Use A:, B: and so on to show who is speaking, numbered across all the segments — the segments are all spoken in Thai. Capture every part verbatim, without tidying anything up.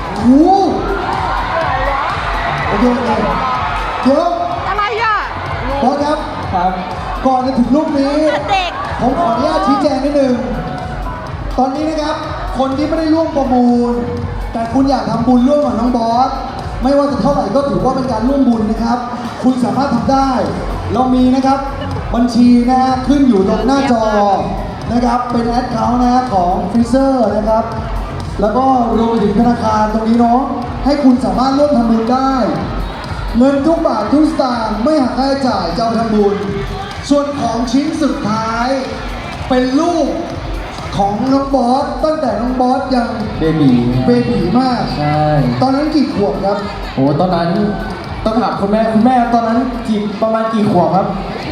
A: โอ้โอเคโอเคเดี๋ยว
B: อะไรอ่ะ
A: บอสครับ
C: ครับ
A: ก่อนจะถึงรูปนี้
B: เด็ก
A: ผมขออนุญาตชี้แจงนิดนึง ตอนนี้นะครับ คนที่ไม่ได้ร่วมประมูล แต่คุณอยากทำบุญร่วมกับน้องบอส ไม่ว่าจะเท่าไหร่ก็ถือว่าเป็นการร่วมบุญนะครับ คุณสามารถทำได้ เรามีนะครับ บัญชีนะฮะขึ้นอยู่ตรงหน้าจอนะครับ เป็นแอดเคาท์นะฮะของฟิเซอร์นะครับ แล้วก็รวมไปถึงธนาคารตรงนี้เนาะ ให้คุณสามารถร่วมทำบุญได้ เงินทุกบาททุกสตางค์ไม่หักค่าใช้จ่ายจะเอาไปทำบุญ ส่วนของชิ้นสุดท้ายเป็นลูกของน้องบอสตั้งแต่น้องบอสยัง
C: เบบี
A: เบบีมาก
C: ใช่
A: ตอนนั้นกี่ขวบครับ
C: โอ้ตอนนั้นต้องถามคุณแม่คุณแม่ตอนนั้นกี่ประมาณกี่ขวบครับ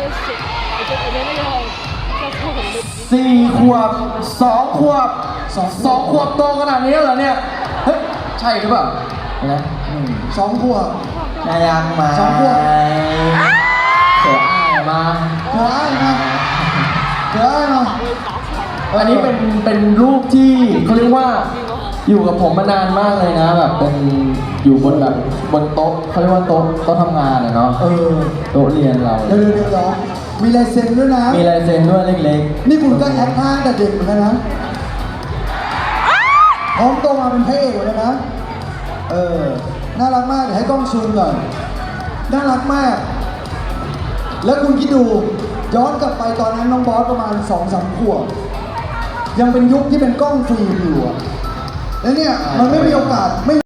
C: สี่ขวบสองขวบ
A: สอง
C: สองขวบโตขนาดนี้แล้วเหรอเนี่ยเฮ้ยใช่หรือเปล่านะอืม
A: สองขวบ
C: นายังมา
A: สองขวบ
C: เสืออ้ายมา
A: เดี๋ยวอ้ายมาเดี๋ยวอ้ายมา
C: อันนี้เป็นเป็นรูปที่เขาเรียกว่าอยู่กับผมมานานมากเลยนะแบบเป็นอยู่บนแบบบนโต๊ะเขาเรียกว่าโต๊ะโต๊ะทำงานอะเนาะ
A: เออ
C: โต๊ะเรียนเรา
A: เดี๋ยวเดี๋ยวเดี๋ยวเหรอมีลายเซ็นด้วยนะ
C: มีลายเซ็นด้วยเล็กๆ
A: นี่คุณก็แอคท่าแต่เด็กเหมือนกันนะพร้อมโตมาเป็นพระเอกเหมือนกันนะ เออ น่ารักมาก เดี๋ยวให้กล้องซูมก่อน น่ารักมาก แล้วคุณคิดดู ย้อนกลับไปตอนนั้นน้องบอสประมาณสองสามขวบ ยังเป็นยุคที่เป็นกล้องฟิล์มอยู่อะแล้วเนี่ย มันไม่มีโอกาสไม่